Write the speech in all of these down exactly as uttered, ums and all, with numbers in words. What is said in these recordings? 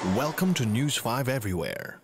Welcome to News five Everywhere.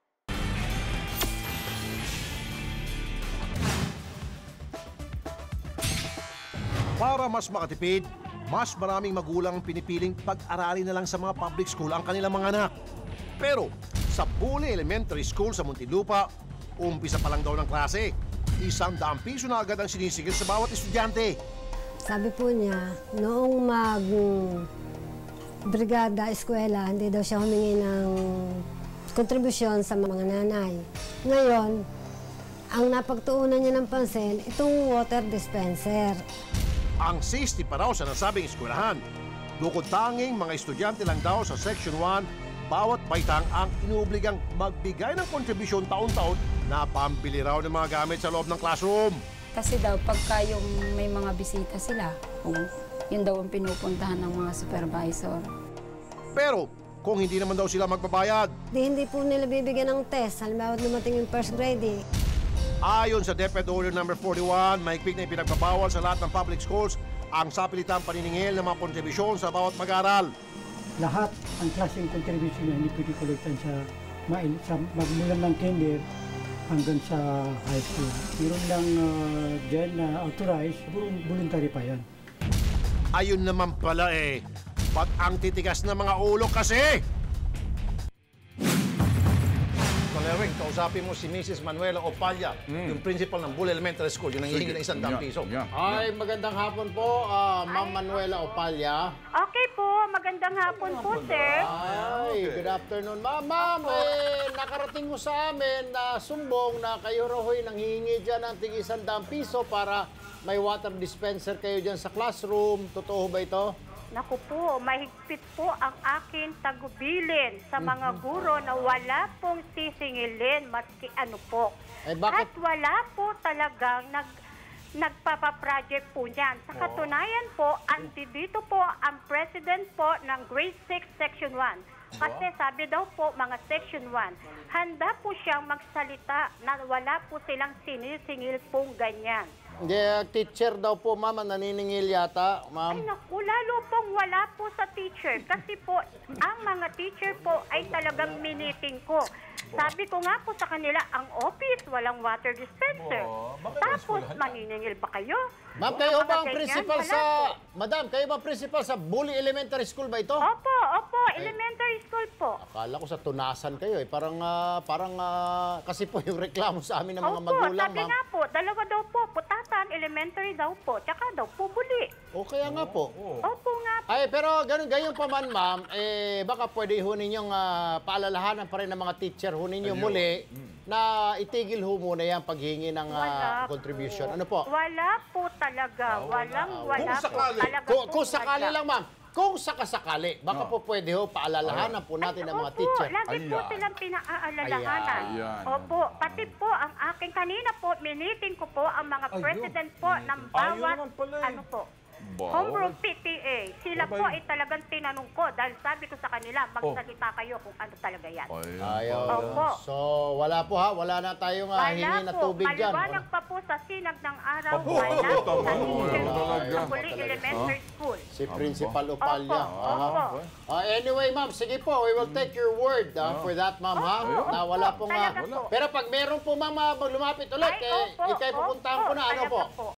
Para mas makatipid, mas maraming magulang pinipiling pag-aralin na lang sa mga public school ang kanilang mga anak. Pero sa Bule Elementary School sa Muntinlupa, umpisa pa lang daw ng klase. Isang daang piso na agad ang sinisigil sa bawat estudyante. Sabi po niya, noong mag brigada, eskwela, hindi daw siya humingi ng kontribusyon sa mga nanay. Ngayon, ang napagtuunan niya ng pansin, itong water dispenser. Ang sixty pa raw sa nasabing eskwelahan. Bukod tanging mga estudyante lang daw sa Section one, bawat baitang ang inuobligang magbigay ng kontribusyon taon-taon na pambili raw ng mga gamit sa loob ng classroom. Kasi daw, pagka yung may mga bisita sila, kung yun daw ang pinupuntahan ng mga supervisor. Pero kung hindi naman daw sila magbabayad, Di, hindi po nila bibigyan ng test. Halimbawa, dumating yung first grade eh. ayon sa DepEd Order number forty-one, mahigpit na ipinagbabawal sa lahat ng public schools ang sapilitang paniningil ng mga kontribusyon sa bawat mag-aaral. Lahat ang klaseng contribution na hindi pwede kolektan sa, mail, sa magmulan ng kinder hanggang sa high school. Meron lang uh, dyan na authorized, voluntary pa yan. Ayun naman pala eh, ba't ang titigas ng mga ulo kasi? Kalewing, kausapin mo si Missus Manuela Opalla, yung principal ng Bule Elementary School, yung nangihingi ng isang daang piso. Ay, magandang hapon po, ah, Ma'am Manuela Opalla. Okay po, magandang hapon po, sir. Ay, good afternoon. Ma'am, ma'am, eh, nakarating mo sa amin na sumbong na kayo raw ho'y nanghihingi dyan ng tig isang daang piso para may water dispenser kayo dyan sa classroom. Totoo ba ito? Naku po, mahigpit po ang aking tagubilin sa mga guro na wala pong sisingilin maski ano po. Eh, bakit? At wala po talagang nag, nagpapaproject po niyan. Sa katunayan po, andi dito po ang president po ng Grade six Section one. Kasi sabi daw po mga Section one, handa po siyang magsalita na wala po silang sinisingil pong ganyan. Hindi, ah, teacher daw po, ma'am, ang naniningil yata, Ay ma'am. naku, lalo pong wala po sa teacher. Kasi po, ang mga teacher po ay talagang miniting ko. Sabi ko nga po sa kanila, ang office, walang water dispenser. Tapos, maniningil ba kayo? Ma'am, kayo ba ang Mga ganyan? principal Wala sa... po. Madam, kayo ba ang principal sa Bule Elementary School ba ito? Opo, opo, elementary school po. Akala ko sa tunasan kayo eh. Parang, ah, parang, ah, kasi po yung reklamo sa amin ng mga Opo, magulang, sabi ma'am. nga po, dalawa daw po, putatan, elementary daw po, tsaka daw po buli. O kaya nga po. Opo nga po. Ay, pero ganun, ganyan pa man, ma'am, eh, baka pwede ho ninyong ah, paalalahanan pa rin ng mga teacher ho ninyo muli na itigil ho muna yan paghingi ng ah, Wala contribution. po. Ano po? Wala po talaga. Walang wala Kung po. sakali. Talaga Kung, po kung sakali wala. lang, ma'am. Kung sakasakali, baka po pwede ho paalalahanan po natin ng mga Opo, teacher. lagi po silang pinaaalalahanan. Ayan. Opo, pati po ang aking kanina po, miniting ko po ang mga president po ng bawat, ano po, home rule P T A. Sila po ay talagang tinanong ko dahil sabi ko sa kanila, magsalita kayo kung ano talaga yan. Ayaw. Opo. So, wala po ha. Wala na tayong ah, hingi Wala na po, tubig dyan. maliwanag pa po sa sinag ng araw, wala po sa teacher po sa Buli Talaga. Elementary School. Si Principal Opalya. Opo, Aha. opo. Ah, anyway, ma'am, sige po, we will take your word ah, for that, ma'am, ha? Opo, Na opo, wala pong... ah, talaga po. pero pag meron po, ma'am, ah, lumapit ulit, Ay, eh, opo, ikay pupuntahan opo, ko na, ano talaga po? po.